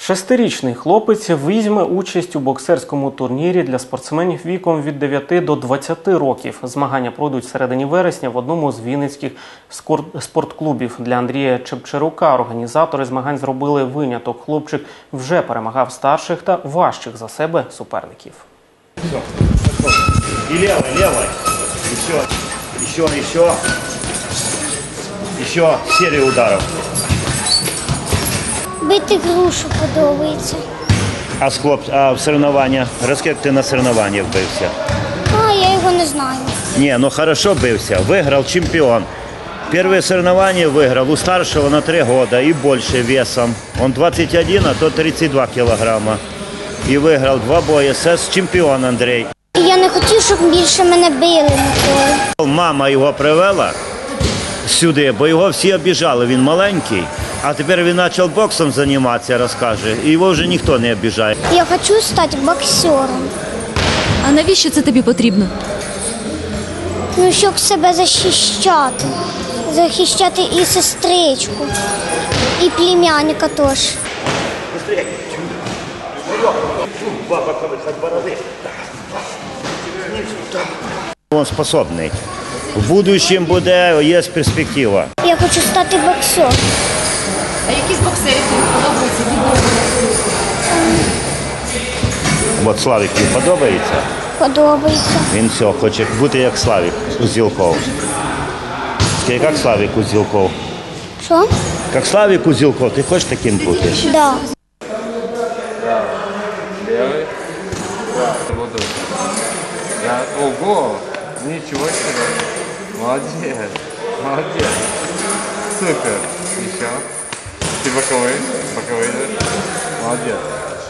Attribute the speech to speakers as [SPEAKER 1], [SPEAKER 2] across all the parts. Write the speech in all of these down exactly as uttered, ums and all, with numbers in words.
[SPEAKER 1] Шестирічний хлопець візьме участь у боксерському турнірі для спортсменів віком від дев'яти до двадцяти років. Змагання пройдуть в середині вересня в одному з вінницьких спортклубів. Для Андрія Чепчерука організатори змагань зробили виняток. Хлопчик вже перемагав старших та важчих за себе суперників.
[SPEAKER 2] І лівий, лівий. Ще, ще, ще. Ще серію ударів.
[SPEAKER 3] Бити грушу подобається.
[SPEAKER 2] А, хлоп, а в соревнованнях? Розкажи, як ти на соревнованнях бився?
[SPEAKER 3] А, я його не знаю.
[SPEAKER 2] Ні, ну хорошо бився. Виграв чемпіон. Первое соревнование выиграл у старшего на три года и больше весом. Он двадцать один, а то тридцать два килограмма. И выиграл два боя с чемпіон Андрій.
[SPEAKER 3] Я не хотів, щоб більше мене били ніколи.
[SPEAKER 2] Мама його привела сюди, бо його всі обіжали, він маленький. А тепер він почав боксом займатися, розкаже, і його вже ніхто не обіжає.
[SPEAKER 3] Я хочу стати боксером.
[SPEAKER 4] А навіщо це тобі потрібно?
[SPEAKER 3] Ну, щоб себе захищати. Захищати і сестричку, і племянника теж.
[SPEAKER 2] Він способний. В будущем буде, є перспектива.
[SPEAKER 3] Я хочу стати боксером.
[SPEAKER 4] А які з боксерів тобі подобаються?
[SPEAKER 2] От Славік тобі подобається?
[SPEAKER 3] Подобається.
[SPEAKER 2] Він все, хоче бути як Славік Узілков. Скажи, як Славік Узілков?
[SPEAKER 3] Що?
[SPEAKER 2] Як Славік Узілков, ти хочеш таким бути?
[SPEAKER 3] Так. Да.
[SPEAKER 5] Левый. Буду. Да. Ого! Ничего себе! Молодец! Молодец! Супер! Еще. Ты боковой? Боковой идешь? Молодец!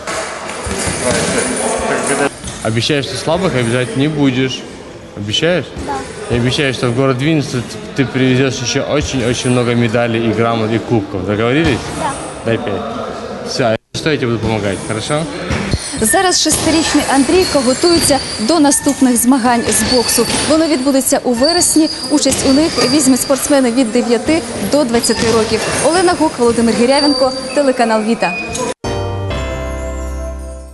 [SPEAKER 5] Давай,
[SPEAKER 6] Обещаешь, что слабых обижать не будешь? Обещаешь?
[SPEAKER 3] Да.
[SPEAKER 6] И обещаешь, что в город Винница ты привезешь еще очень-очень много медалей и грамот и кубков. Договорились?
[SPEAKER 3] Да.
[SPEAKER 6] Дай пять. Все, что я тебе буду помогать, хорошо?
[SPEAKER 4] Зараз шестирічний Андрійко готується до наступних змагань з боксу. Воно відбудеться у вересні. Участь у них візьмуть спортсмени від дев'яти до двадцяти років. Олена Гук, Володимир Гірявенко, телеканал Віта.